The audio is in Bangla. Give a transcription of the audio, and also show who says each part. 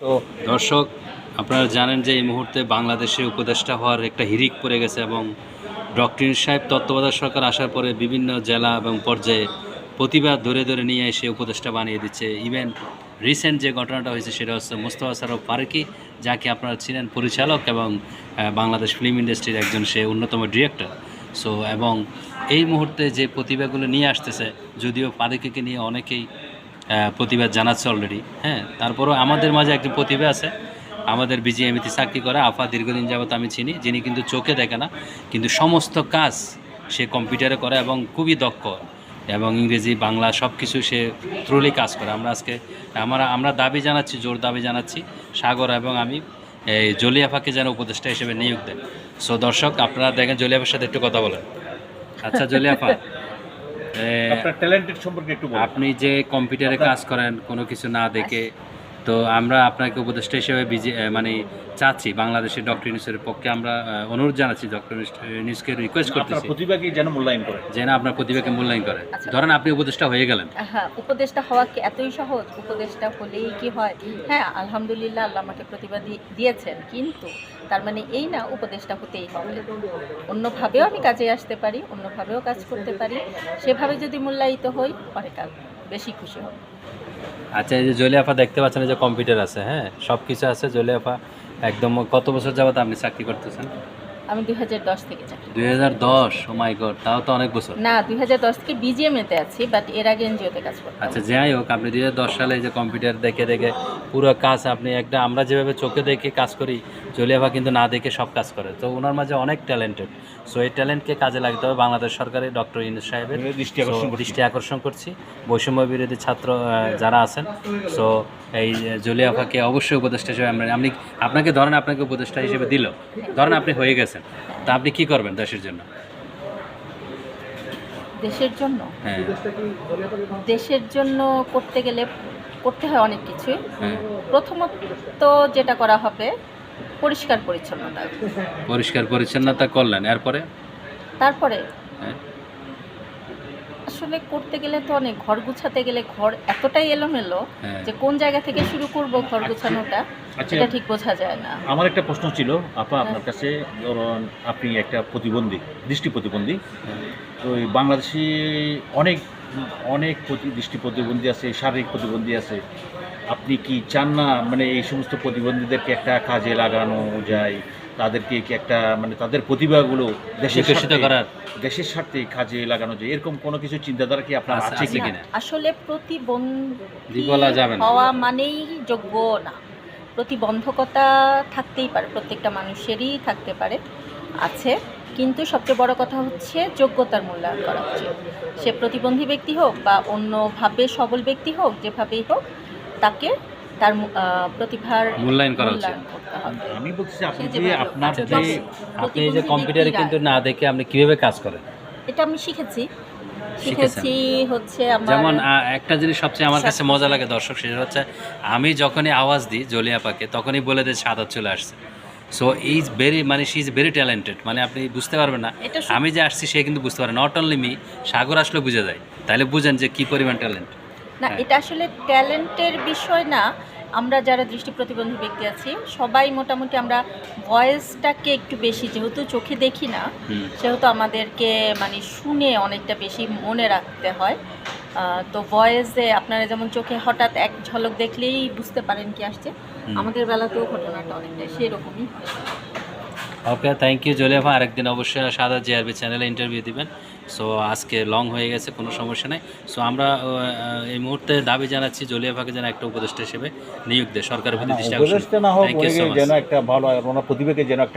Speaker 1: তো দর্শক, আপনারা জানেন যে এই মুহূর্তে বাংলাদেশে উপদেষ্টা হওয়ার একটা হিড়িক পড়ে গেছে এবং ডক্টর ইউনূস সাহেব তত্ত্বাবধায়ক সরকার আসার পরে বিভিন্ন জেলা এবং পর্যায়ে প্রতিবাদ ধরে ধরে নিয়ে এসে উপদেষ্টা বানিয়ে দিচ্ছে। ইভেন রিসেন্ট যে ঘটনাটা হয়েছে সেটা হচ্ছে মোস্তফা সরোয়ার ফারুকী, যাকে আপনারা চিনেন, পরিচালক এবং বাংলাদেশ ফিল্ম ইন্ডাস্ট্রির একজন সে অন্যতম ডিরেক্টর। সো এবং এই মুহূর্তে যে প্রতিভাগুলো নিয়ে আসতেছে, যদিও ফারুকীকে নিয়ে অনেকেই প্রতিবাদ জানাচ্ছে অলরেডি, হ্যাঁ, তারপরেও আমাদের মাঝে একজন প্রতিভা আছে, আমাদের বিজিএমইতে চাকরি করে আফা, দীর্ঘদিন যাবত আমি চিনি, যিনি কিন্তু চোখে দেখে না কিন্তু সমস্ত কাজ সে কম্পিউটারে করে এবং খুবই দক্ষ, এবং ইংরেজি বাংলা সব কিছু সে থ্রুলি কাজ করে। আমরা দাবি জানাচ্ছি, জোর দাবি জানাচ্ছি, সাগর এবং আমি এই জলিয়াফাকে যেন উপদেষ্টা হিসেবে নিয়োগ দেন। সো দর্শক, আপনারা দেখেন, জলিয়াফার সাথে একটু কথা বলেন। আচ্ছা জলিয়াফা,
Speaker 2: আপনার ট্যালেন্টেড সম্পর্কে একটু বলুন।
Speaker 1: আপনি যে কম্পিউটারে কাজ করেন কোনো কিছু না দেখে, তো আমরা আপনাকে উপদেষ্টা হিসেবে মানে চাচ্ছি, বাংলাদেশের ডক্টর ইউনূসের পক্ষে আমরা অনুরোধ জানাচ্ছি, ডক্টর ইউনূসকে রিকোয়েস্ট
Speaker 2: আপনার
Speaker 1: করতেছি
Speaker 2: প্রতিভাকে যেন মূল্যায়ন করে।
Speaker 1: যে না, আপনার প্রতিভাকে মূল্যায়ন করে।
Speaker 3: আচ্ছা।
Speaker 1: ধরেন আপনি উপদেষ্টা হয়ে গেলেন,
Speaker 3: হ্যাঁ, উপদেশটা হওয়া কি এতই সহজ? উপদেশটা হলেই কি হয়? হ্যাঁ, আলহামদুলিল্লাহ, আল্লাহ আমাকে প্রতিভা দিয়েছেন, কিন্তু তার মানে এই না উপদেশটা হতেই হবে। অন্যভাবেও আমি কাজে আসতে পারি, অন্যভাবেও কাজ করতে পারি। সেভাবে যদি মূল্যায়িত হই, অনেক বেশি খুশি হব।
Speaker 1: আচ্ছা এই যে জলিয়াফা দেখতে পাচ্ছেন, এই যে কম্পিউটার আছে, হ্যাঁ, সব কিছু আছে। জলিয়াফা একদম কত বছর যাবত আপনি চাকরি করতেছেন?
Speaker 3: আমি 2010 থেকে চাকরি।
Speaker 1: 2010? ও মাই গড, তাও তো অনেক বছর।
Speaker 3: না, 2010 থেকে বিজিএমএতে আছি, বাট এর আগে এনজিওতে কাজ করতাম।
Speaker 1: আচ্ছা যাই হোক, আপনি 2010 সালে এই যে কম্পিউটার দেখে দেখে পুরো কাজ আপনি একটা, আমরা যেভাবে চোখে দেখে কাজ করি, জলিয়াফা কিন্তু না দেখে সব কাজ করে। তো ওনার মাঝে অনেক ট্যালেন্টেড। সো এই ট্যালেন্টকে কাজে লাগতে হবে বাংলাদেশ সরকারের, ডক্টর ইউনূস সাহেবের দৃষ্টি আকর্ষণ করছি। বৈষম্য বিরোধী ছাত্র যারা আছেন, সো এই জলিয়াফাকে অবশ্যই উপদেষ্টা হিসেবে আপনি, আপনাকে ধরেন আপনাকে উপদেষ্টা হিসেবে দিল, ধরেন আপনি হয়ে গেছেন, তা আপনি কি করবেন দেশের জন্য?
Speaker 3: দেশের জন্য?
Speaker 1: হ্যাঁ
Speaker 3: দেশের জন্য করতে হয় অনেক কিছুই।
Speaker 1: হ্যাঁ,
Speaker 3: প্রথমত যেটা করা হবে, পরিষ্কার পরিচ্ছন্নতা।
Speaker 1: পরিষ্কার পরিচ্ছন্নতা করলেন, এরপরে?
Speaker 3: তারপরে
Speaker 1: হ্যাঁ,
Speaker 3: আসলে করতে গেলে তো অনেক, ঘর গুছাতে গেলে ঘর এতটাই এলোমেলো
Speaker 1: হ্যাঁ।
Speaker 3: যে কোন জায়গা থেকে শুরু করব ঘর গুছানোটা,
Speaker 2: আচ্ছা,
Speaker 3: এটা ঠিক বোঝা যায় না।
Speaker 2: আমার একটা প্রশ্ন ছিল আপা আপনার কাছে। ধরুন আপনি একটা প্রতিবন্ধী, দৃষ্টি প্রতিবন্ধী। তো এই বাংলাদেশে অনেক অনেক দৃষ্টি প্রতিবন্ধী আছে, শারীরিক প্রতিবন্ধী আছে। আপনি কি চান না মানে এই সমস্ত প্রতিবন্ধীদেরকে একটা কাজে লাগানো যায়, তাদেরকে কি একটা মানে তাদের প্রতিভাগুলো
Speaker 1: বিকশিত করার?
Speaker 2: দেশের স্বার্থে কাজে লাগানো যায়, এরকম কোনো কিছু চিন্তাধারা কি আপনার
Speaker 1: আছে
Speaker 2: আছে কি?
Speaker 1: কিনা?
Speaker 3: আসলে প্রতিবন্ধী
Speaker 1: বলা যাবে না।
Speaker 3: হওয়া মানেই যোগ্য না। প্রতিবন্ধকতা থাকতেই পারে, প্রত্যেকটা মানুষেরই থাকতে পারে, আছে, কিন্তু সবচেয়ে বড় কথা হচ্ছে যোগ্যতার মূল্যায়ন করা উচিত। সে প্রতিবন্ধী ব্যক্তি হোক বা অন্যভাবে সবল ব্যক্তি হোক, যেভাবেই হোক, তাকে তার প্রতিভার
Speaker 1: মূল্যায়ন করা উচিত।
Speaker 3: করতে হবে।
Speaker 2: আমি বলছি আপনি
Speaker 3: সে
Speaker 2: যে
Speaker 3: যেভাবে
Speaker 2: আপনার
Speaker 1: আচ্ছা,
Speaker 2: যে
Speaker 1: আপনি এই যে কম্পিউটারে কিন্তু না দেখে আপনি কিভাবে কাজ করেন?
Speaker 3: এটা আমি শিখেছি
Speaker 1: শিখেছেন?
Speaker 3: হচ্ছে আমার
Speaker 1: যেমন একটা জিনিস সবচেয়ে আমার কাছে মজা লাগে দর্শক, সেটা হচ্ছে আমি যখনই আওয়াজ দিই জলিয়াপাকে, তখনই বলে দেয় সাদা চলে আসছে। সো ইজ ভেরি, মানে শি ইজ ভেরি ট্যালেন্টেড, মানে আপনি বুঝতে পারবেন না,
Speaker 3: এটা
Speaker 1: আমি যে আসছি সে কিন্তু বুঝতে পারে। নট অনলি মি, সাগর আসলে বুঝে যায়। তাহলে বুঝেন যে কি পরিমাণ ট্যালেন্ট।
Speaker 3: না,
Speaker 1: হ্যাঁ।
Speaker 3: এটা আসলে ট্যালেন্টের বিষয় না। আমরা যারা দৃষ্টি প্রতিবন্ধী ব্যক্তি আছি, সবাই মোটামুটি আমরা ভয়েসটাকে একটু বেশি, যেহেতু চোখে দেখি না, সেহেতু আমাদেরকে মানে শুনে অনেকটা বেশি মনে রাখতে হয়। তো ভয়েসে আপনারা যেমন চোখে হঠাৎ এক ঝলক দেখলেই বুঝতে পারেন কি আসছে, আমাদের বেলাতেও ঘটনাটা অনেকটা সেরকমই।
Speaker 1: ওকে, থ্যাংক ইউ জলিয়াফা। আরেকদিন অবশ্যই সাদা জিআরবি চ্যানেলে ইন্টারভিউ দিবেন। সো আজকে লং হয়ে গেছে, কোনো সমস্যা নেই। সো আমরা এই মুহূর্তে দাবি জানাচ্ছি জলিয়াফাকে যেন একটা উপদেষ্টা হিসেবে নিয়োগ দেয়, সরকারের প্রতি দৃষ্টি আকর্ষণ।
Speaker 2: উপদেশটা না হোক,
Speaker 1: থ্যাংক ইউ সো মাচ।
Speaker 2: যেন একটা ভালো ওনার প্রতিভাকে যেন একটা